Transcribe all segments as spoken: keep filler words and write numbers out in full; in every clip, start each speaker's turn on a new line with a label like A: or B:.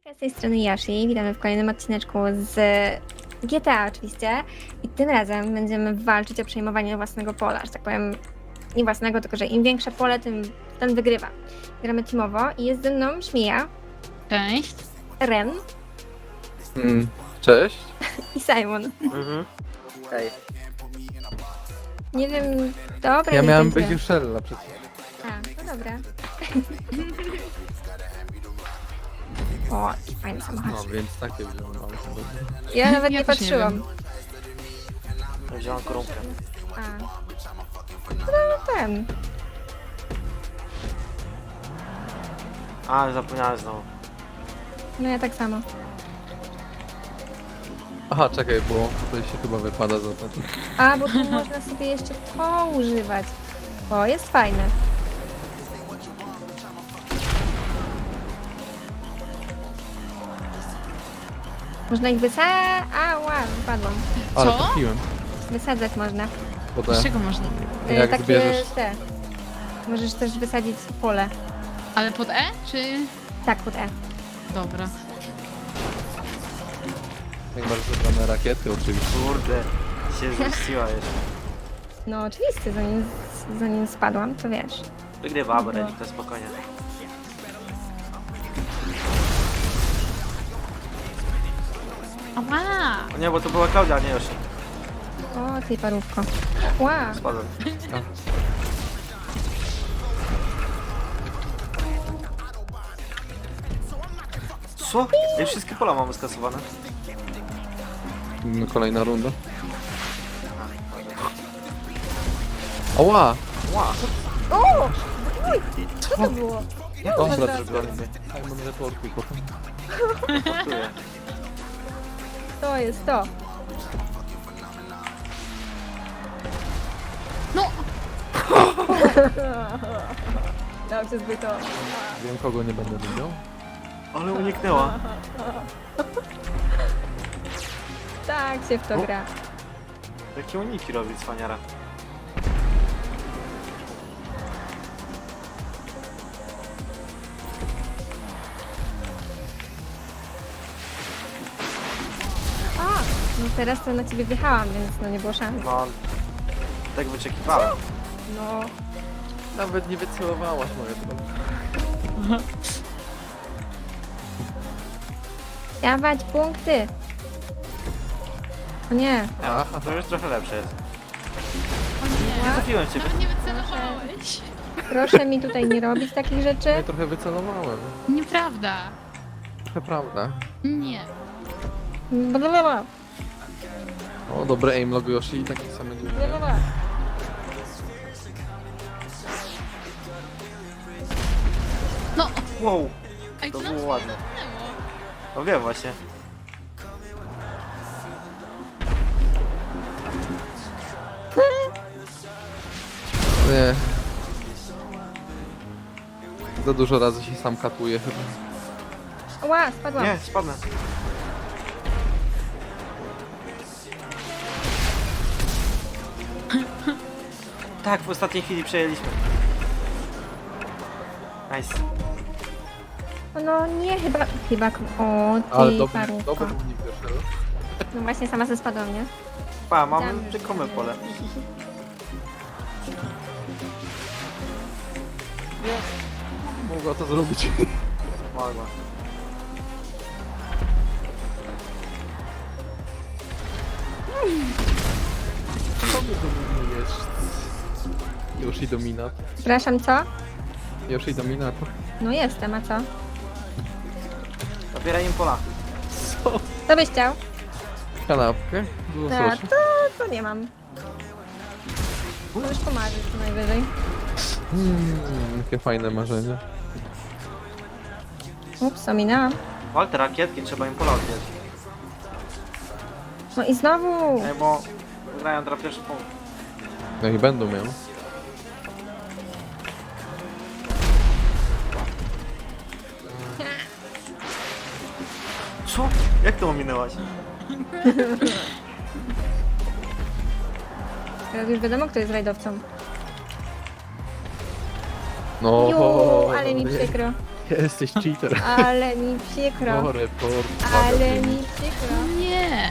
A: Hejka, z tej strony Yoshi, witamy w kolejnym odcineczku z G T A oczywiście i tym razem będziemy walczyć o przejmowanie własnego pola, że tak powiem nie własnego, tylko że im większe pole, tym ten wygrywa. Gramy teamowo i jest ze mną Śmija,
B: Cześć.
A: Ren
C: Mm, cześć.
A: i Simon.
C: Mhm. Hej.
A: Nie wiem, dobra,
C: Ja
A: nie
C: miałem
A: będzie.
C: być już Shella przed
A: A, no dobra. O, jaki fajny
C: No
A: samochód.
C: więc takie wziąłem. ale-
A: Ja nawet
B: Ja
A: nie
B: też nie
A: patrzyłam.
D: Wziąłem korunkę.
A: A. No ten.
D: A, zapomniałem znowu.
A: No ja tak samo.
C: Aha, czekaj, bo tutaj się chyba wypada za to.
A: A, bo tu można sobie jeszcze to używać. O, jest fajne. Można ich wysadzać. A, ła, wypadłam.
C: Ale
B: Co?
C: trafiłem.
A: Wysadzać można.
C: Potem,
B: Z czego można?
A: E,
C: jak
A: Takie
C: zbierzesz...
A: te. Możesz też wysadzić pole.
B: Ale pod E, czy...
A: Tak, pod E.
B: Dobra.
C: Jak masz zebrane rakiety oczywiście.
D: Kurde, się zmieściła jeszcze.
A: No oczywiście, zanim, zanim spadłam, to wiesz.
D: Wygrywa, bo Renik to spokojnie.
B: Ała!
D: O nie, bo to była Klaudia, a nie Yoshi.
A: O, ty parówko. Ła,
D: Spadłem. Co? Ej, wszystkie pola mamy skasowane.
C: No, kolejna runda. Oła!
D: Ła,
A: o! Uj, co to było?
C: Dobra,
A: Dobra.
C: zrobiony. Simon reportuj potem.
D: portuję.
A: To jest to.
B: No!
A: Dobrze zbyto.
C: Wiem, kogo nie będę widział.
D: Ale uniknęła.
A: Tak się w to
D: O.
A: gra.
D: Jakie uniki robi cwaniara.
A: A, no teraz to na ciebie wjechałam, więc no nie było szans.
D: No, tak wyczekiwałem.
A: No,
C: Nawet nie wycelowałaś moje drogi.
A: dawać punkty. O nie,
D: Ja, to już trochę lepsze jest.
B: O nie!
D: Nie trafiłem w ciebie.
B: Nawet nie wycelowałeś.
A: proszę mi tutaj nie robić takich
C: Ja
A: rzeczy.
C: trochę wycelowałem.
B: Nieprawda.
C: Trochę prawda.
B: Nie.
A: Blablabla,
C: O, dobre aim log Yoshi i takie same dziwne.
A: blablabla.
B: No!
D: Wow,
B: Ej,
D: to
B: co nam
D: było
B: się
D: ładne.
B: zamknęło?
D: No wiem właśnie.
C: Nie. Za dużo razy się sam katuje chyba.
A: Ła, spadłam.
D: Nie, spadnę. Tak, w ostatniej chwili przejęliśmy. Nice.
A: No nie, chyba, chyba, o
C: Ale
A: ty
C: dobry,
A: parówko.
C: dobry unik Yoshi.
A: No właśnie, sama ze spadłam, nie?
D: Pa, mamy
A: Tam już.
D: rzekome pole.
C: Mogła to zrobić.
D: Mogła.
C: Co my dominujesz? Yoshi dominat.
A: Przepraszam, co?
C: Yoshi dominat.
A: No jestem, a co?
D: Zabieraj im pola.
C: Co?
A: Co byś chciał?
C: Kanapkę? Z
A: Tak,
C: łososiem.
A: to, to nie mam. Możesz pomarzyć co najwyżej.
C: Mm, jakie fajne marzenie.
A: Ups, ominęłam.
D: Wal te rakietki, trzeba im pola odbierać.
A: No i znowu!
D: Ej, bo grają teraz pierwszy punkt.
C: No i będą miał.
D: Co? Jak to ominęłaś?
A: Teraz już wiadomo, kto jest rajdowcą.
C: No,
A: Ju, ale mi
C: nie.
A: przykro.
C: Jesteś cheater.
A: Ale mi przykro.
C: No, report.
A: Ale mi przykro.
B: Nie.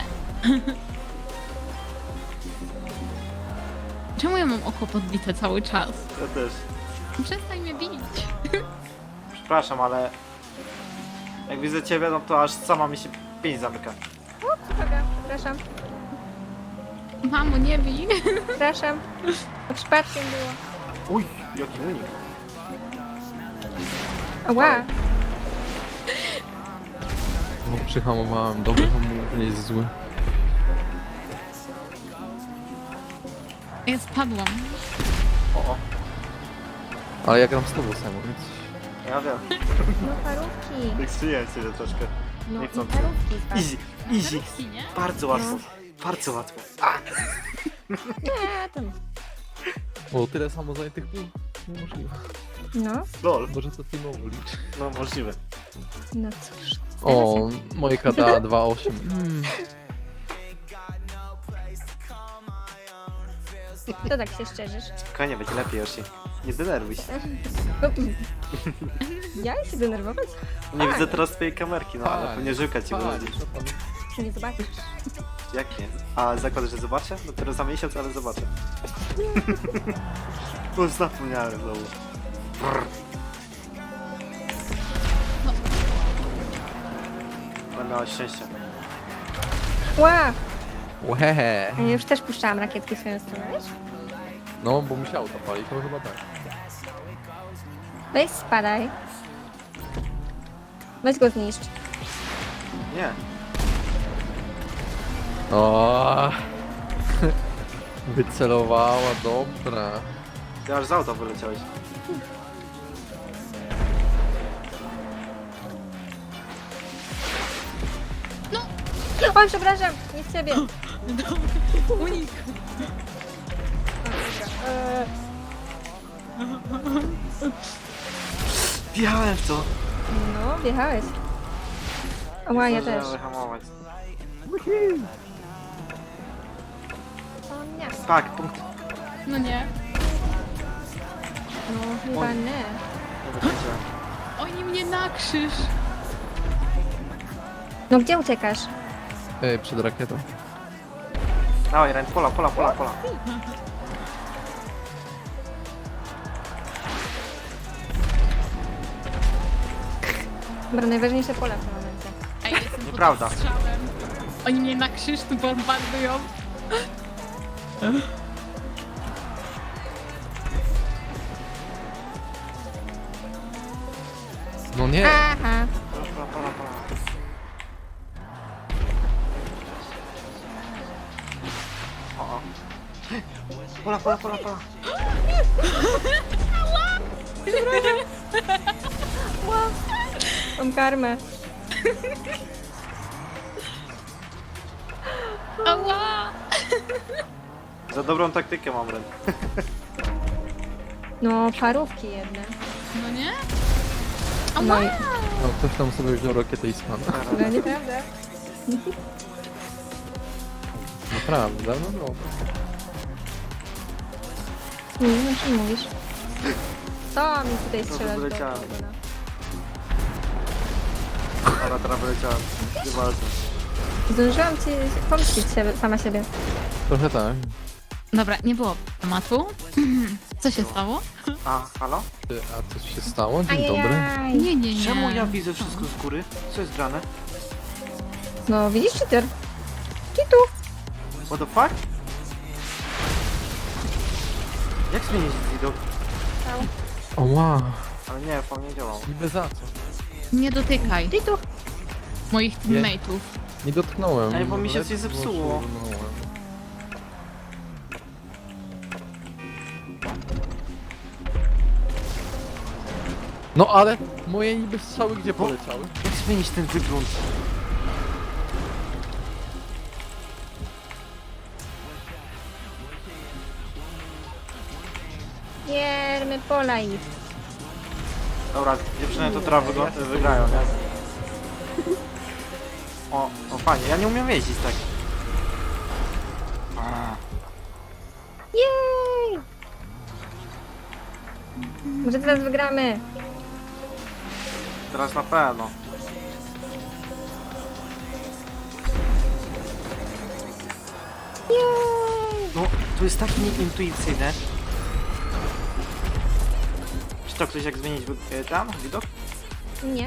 B: Czemu ja mam oko podbite cały czas?
D: Ja też.
B: Przestań mnie bić.
D: Przepraszam, ale... Jak widzę ciebie, no to aż sama mi się pięć zamyka.
A: Dobra, przepraszam.
B: Mamo, nie bij.
A: Przepraszam. To przypadkiem było.
D: Uj, jaki unik.
A: Ała.
C: No, przyhamowałem. Dobry hamulec nie jest zły.
B: Ja spadłam.
D: O, o,
C: Ale ja gram z tobą samo, więc...
D: ja wiem.
A: No parówki.
D: Tak strzeliłem sobie troszkę.
A: No
D: Nie
A: i
D: chcący.
A: parówki. tak.
D: Easy, easy.
B: Parówki, nie?
D: Bardzo łatwo. Bardzo łatwo. A!
A: Nie, tam.
C: O, tyle samo zajętych pól? Niemożliwe.
A: No,
D: Lol.
C: Może to teamowo liczy.
D: No możliwe.
A: no cóż.
C: O, moje K D A dwa osiem. Mm.
A: To tak się szczerzysz.
D: Spokojnie, będzie lepiej, Yoshi. Nie denerwuj się.
A: Ja się denerwować?
D: Nie
A: Tak.
D: widzę teraz twojej kamerki, no ale
C: Tak.
D: pewnie żyłka ci wychodzi.
C: co tam?
A: Nie zobaczysz.
D: Jak nie? A zakładasz, że zobaczę? Dopiero za miesiąc, ale zobaczę. Bo już zapomniałem znowu. Brr. Będę miała szczęście.
A: Ła!
C: Łehe.
A: A ja już też puszczałam rakietki w swoją stronę, wiesz?
C: No, bo musiało to palić, to chyba tak.
A: Weź spadaj. Weź go zniszcz.
D: Nie.
C: O. Wycelowała, dobra.
D: Ty aż z auta wyleciałeś.
A: Oj, przepraszam, nie w ciebie.
B: Unik.
A: Eee,
D: Wjechałem w to.
A: no, wjechałeś. Ła, ja też.
D: Zdążyłem wyhamować.
A: O nie.
D: Tak, punkt.
B: No nie.
A: No, chyba
D: Oj.
A: nie.
D: Nie wykręciłem.
B: Oni mnie na krzyż.
A: No gdzie uciekasz?
C: Ej, przed rakietą.
D: Dawaj, Ren, pola, pola, pola, pola.
A: Dobra, najważniejsze pole w tym momencie.
B: A ja jestem pod
D: Nieprawda.
B: strzałem. Oni mnie na krzyż tu bombardują.
C: No nie.
A: Aha.
D: Pola, pola, pola, pola. O, o. Pola, pola, pola, pola.
A: Mam karmę.
B: Ała!
D: Za dobrą taktykę mam, Ren.
A: No, parówki jedne.
B: No nie?
A: No
B: Ała!
A: i...
C: No, ktoś tam sobie wziął rakietę i spadł.
A: No nieprawda.
C: Naprawdę, no dobra.
A: Nie wiem, o czym mówisz. Co mi tutaj
D: to
A: strzelasz do
D: wyleciałem.
A: tego, no?
D: Dobra, teraz wyleciałem. Nieważne.
A: Zdążyłam ci pomścić siebie, sama siebie.
C: Trochę tak.
B: Dobra, nie było tematu. Co się stało?
D: A, halo?
C: Ty, a coś się stało? Dzień dobry.
A: Ajajaj.
B: Nie, nie, nie.
D: Czemu ja widzę wszystko z góry? Co jest grane?
A: No, widzisz, cheater? Kitu.
D: What the fuck? Jak zmienić widok?
C: O wow.
D: Ale nie, po nie działał.
C: Niby za co?
B: Nie dotykaj
A: Kitu.
B: moich teammateów.
C: Nie dotknąłem.
D: Ej, bo mi się
C: ale
D: coś zepsuło.
C: szurnąłem. No ale moje niby strzały gdzie poleciały?
D: Jak zmienić ten wygląd?
A: Giermy pola i...
D: Dobra, dziewczyny to teraz wygl- wygrają, nie? O, o fajnie, ja nie umiem jeździć tak. A,
A: Jej! Może teraz wygramy.
D: Teraz na pewno. No, to jest takie nieintuicyjne. Czy to ktoś jak zmienić wy- tam widok?
A: Nie.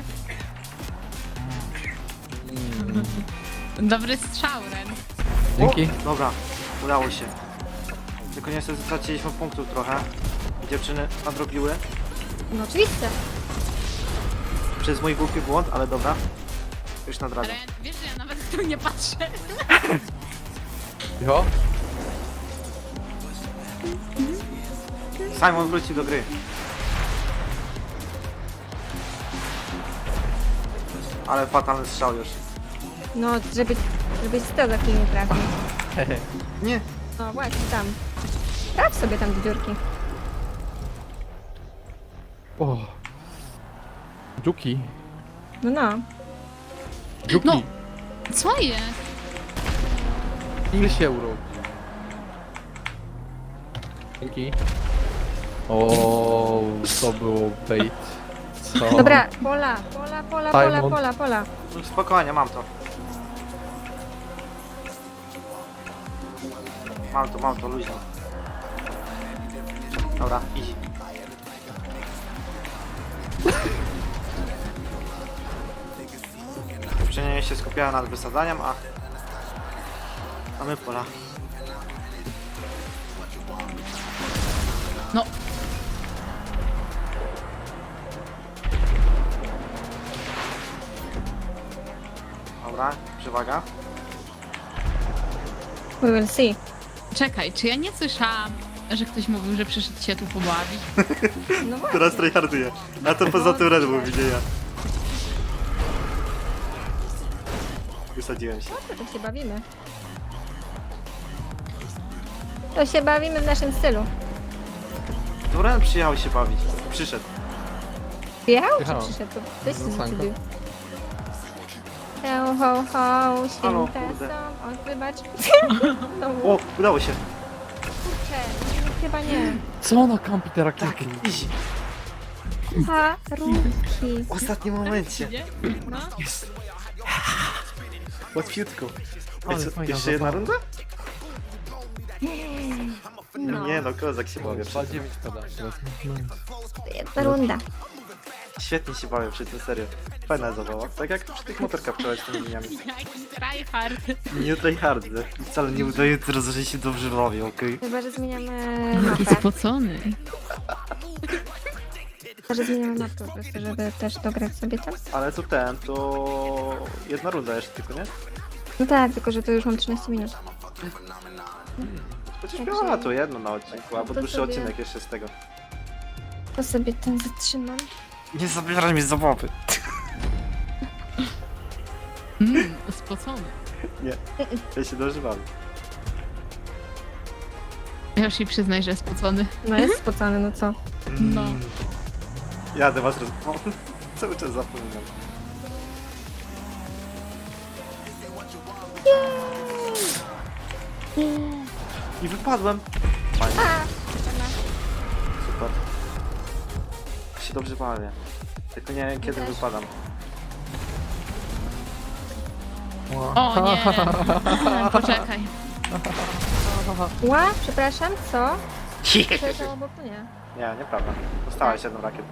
B: Dobry strzał, Ren.
C: Dzięki.
D: O, dobra, udało się. Tylko niestety straciliśmy punktów trochę. Dziewczyny nadrobiły.
A: No oczywiście.
D: Przez mój głupi błąd, ale dobra. Już nadrabiam.
B: Ren, wiesz, że ja nawet tu nie patrzę.
C: Jo?
D: Simon wrócił do gry. Ale fatalny strzał już.
A: No, żeby, żebyś to za chwilę nie trafił.
D: Nie.
A: No właśnie, tam. Traf sobie tam do dziurki.
C: O. Dżuki.
A: No, no.
C: Dżuki.
B: No. Co jest?
C: Ile się urodził? Dzięki. O, to było bait. Co?
A: Dobra, pola, pola, pola, pola,
C: Simon.
A: pola, pola.
D: Spokojnie, mam to. Mam to, mam to, luźno. Dobra, idź. Dziewczyny się skupiają nad wysadzaniem, a... A my pola.
B: No.
D: Dobra, przewaga.
A: We will see.
B: Czekaj, czy ja nie słyszałam, że ktoś mówił, że przyszedł się tu pobawić?
A: No właśnie.
D: Teraz tryharduję. A to poza tym Red Bull widzę ja. Wysadziłem się.
A: No to się bawimy. To się bawimy w naszym stylu.
D: To Ren przyjechał się bawić. Przyszedł.
A: Jechał czy
C: Jechałem.
A: przyszedł? To Weź
C: No,
A: się
C: sanko.
A: zgubił. Ho, ho, ho,
D: Halo,
A: święte
D: kurde.
A: są. O, wybacz. No,
D: O, udało się.
A: kurczę, chyba nie.
C: Co ona kampi te rakiety?
D: Easy.
A: Parówki.
D: W ostatnim momencie.
B: Nie? No.
D: Łatwiutko.
C: Ale
D: Ej, co,
C: fajna
D: jeszcze jedna
C: zabawa.
D: runda?
A: No,
D: Nie no, kozak się bawię.
C: dwa dziewięć pada teraz. No.
A: jedna runda.
D: Świetnie się bawię przy tym, serio. Fajna zabawa. Tak jak przy tych motorkach przełać tymi liniami.
B: Jaki tryhard.
D: Nie tryhardy. Wcale nie udaje teraz, że się dobrze bawię, okej?
A: Chyba, że zmieniamy
B: Jaki
A: mapę.
B: spocony.
A: Chyba, że zmieniamy mapę po prostu, żeby też dograć sobie tam.
D: Ale to ten, to... Jedna runda jeszcze tylko, nie?
A: No tak, tylko że to już mam trzynaście minut.
D: Chociaż
A: Także-
D: miała to jedno na odcinku, albo
A: To
D: dłuższy
A: sobie-
D: odcinek jeszcze z tego.
A: To sobie ten zatrzymam.
D: Nie zabieraj mi zabawy.
B: Mm, spocony.
D: Ja się dobrze bawię.
B: Ja już jej przyznaj, że spocony.
A: No jest spocony, no co?
B: No.
D: Jadę was roz... O, cały czas zapominam. I wypadłem. Fajnie. Super. Się dobrze bawię. Tylko nie wiem kiedy
A: też.
D: wypadam.
B: O nie. Poczekaj.
A: Ła, przepraszam, co? Przeleciał obok mnie.
D: Nie, nieprawda. Dostałaś jedną rakietką.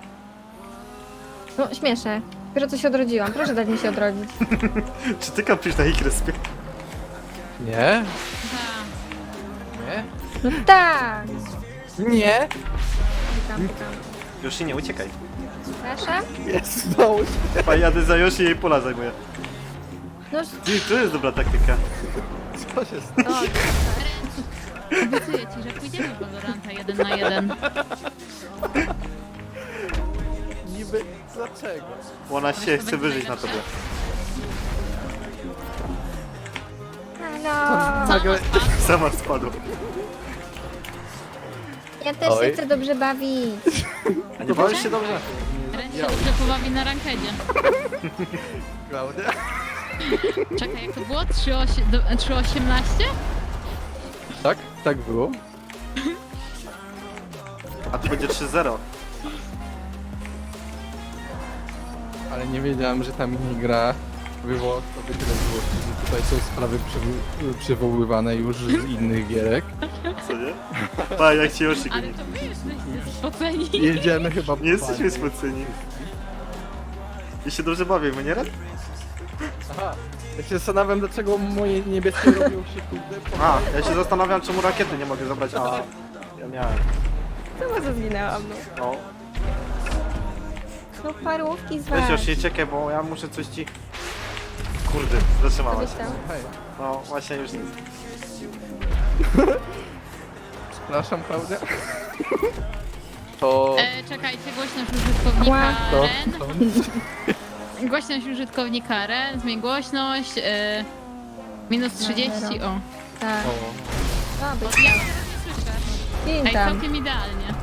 A: No, śmieszę. Dopiero co się odrodziłam. Proszę dać mi się odrodzić.
D: Czy ty kampisz na ich respie?
C: Nie?
B: Ta.
C: Nie?
A: No tak!
C: Nie?
A: Pikam, pikam.
D: Już się nie uciekaj.
A: Przepraszam?
C: Jest, udało się.
D: Chyba jadę za Yoshi i jej pola zajmuję.
A: No,
D: Ty, to jest dobra taktyka.
C: Co się stało?
A: o,
B: Obiecuję ci, że pójdziemy w Valoranta jeden na jeden.
C: Niby dlaczego?
D: Bo ona się chce wyżyć na tobie.
A: halo!
C: Nagle...
D: Sama spadła.
A: Ja też
C: Oj.
A: się chcę dobrze bawić.
D: A nie bawisz się dobrze?
B: Ren się dobrze pobawi na rankedzie.
C: Klaudia?
B: Czekaj, jak to było? trzy osiemnaście?
C: Tak? Tak było?
D: A to będzie trzy zero.
C: ale nie wiedziałem, że ta minigra wywoła w tobie tyle złości, że tutaj są sprawy przywo- przywoływane już z innych gierek.
D: Co nie? Pa, jak ci Yoshi
B: Ale
D: goni.
B: to wy jesteście spoceni.
C: Jedziemy chyba po
D: Nie jesteśmy
C: panie.
D: spoceni. I się dobrze bawimy, nie Red?
C: Aha, ja się zastanawiam, dlaczego moje niebieskie robią się kurde po...
D: A, ja się zastanawiam, czemu rakiety nie mogę zabrać. A, ja miałem.
A: Co może zginęłam, no.
D: No.
A: No parówki z
D: Weź
A: was.
D: Yoshi, czekaj, bo ja muszę coś ci... Kurde, zatrzymałaś.
A: Coś tam.
C: Hej,
D: No, właśnie już nic.
C: przepraszam, Klaudia. To...
B: E, czekajcie, głośność użytkownika
C: To...
B: Ren.
C: to...
B: Głośność użytkownika Ren, zmień głośność. E, minus trzydzieści, o.
A: Tak.
C: O.
A: A, być
B: Ja teraz nie słyszę.
A: Kim
B: Ej,
A: tam?
B: całkiem idealnie.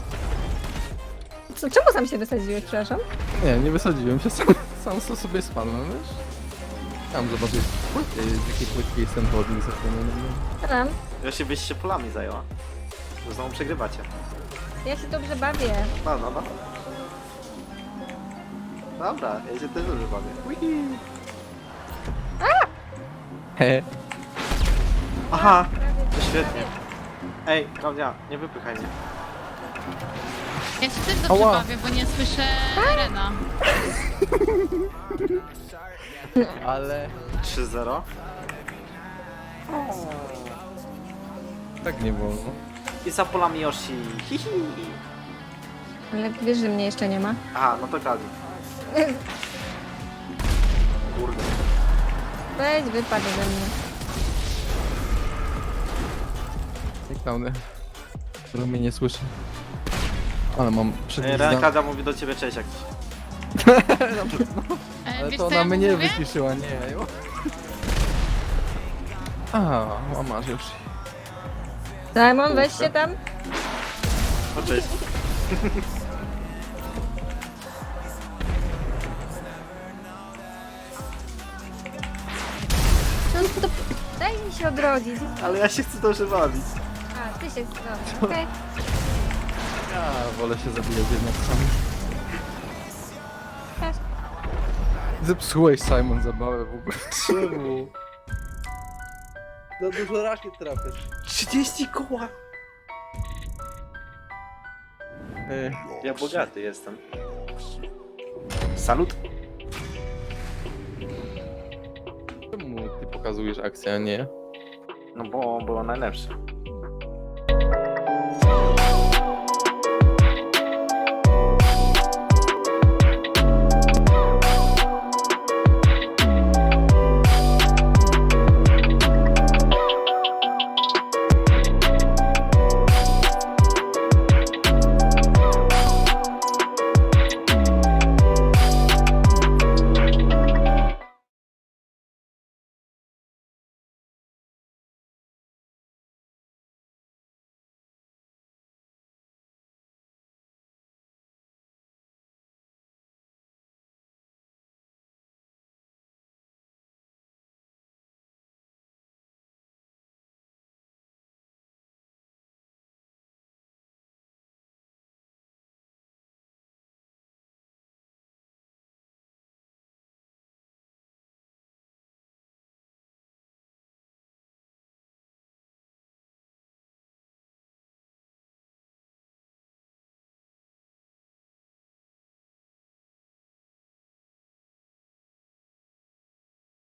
A: Co, czemu sam się wysadziłeś, przepraszam?
C: Nie, nie wysadziłem się, sam, sam to sobie spadłem, wiesz? Tam zobaczyć, płyty, z jakiej płytki jest ten wodnik zapomniany.
A: Tam.
D: Yoshi, byś się polami zajęła. Bo znowu przegrywacie.
A: Ja się dobrze bawię.
D: No, no, no. Dobra, ja się też dobrze bawię.
C: He,
D: Aha, to świetnie. Ej, Klaudia, nie wypychaj mnie.
B: Ja się też dobrze
C: Ała.
B: bawię, bo nie słyszę Rena.
C: ale...
D: trzy zero.
C: Tak nie wolno.
D: I za polami Yoshi. Hihi.
A: Ale wiesz, że mnie jeszcze nie ma.
D: Aha, no to Klaudia. Kurde.
A: Weź, wypadł ze mnie.
C: Klaudia. Który mnie nie słyszy. Ale mam
D: Ej,
C: przednizdanie.
D: Klaudia mówi do ciebie cześć jakiś.
B: E,
C: Ale
B: wiesz,
C: to
B: co ja
C: ona
B: mu
C: mnie
B: mówię?
C: wyciszyła, nie. jo. A, łamasz już.
A: Simon, weź się tam.
D: No cześć.
A: No, to... Daj mi się odrodzić.
D: Ale ja się chcę dobrze bawić.
A: A, ty się... Dobra, okej.
C: Ja wolę się zabijać jednak sam.
A: Też.
C: Zepsułeś, Simon, zabawę w ogóle. Czemu? Za dużo rakiet trafisz.
D: trzydzieści koła.
C: Ej,
D: Ja bogaty jestem. Salut.
C: czemu ty pokazujesz akcję, a nie?
D: No bo było najlepsze.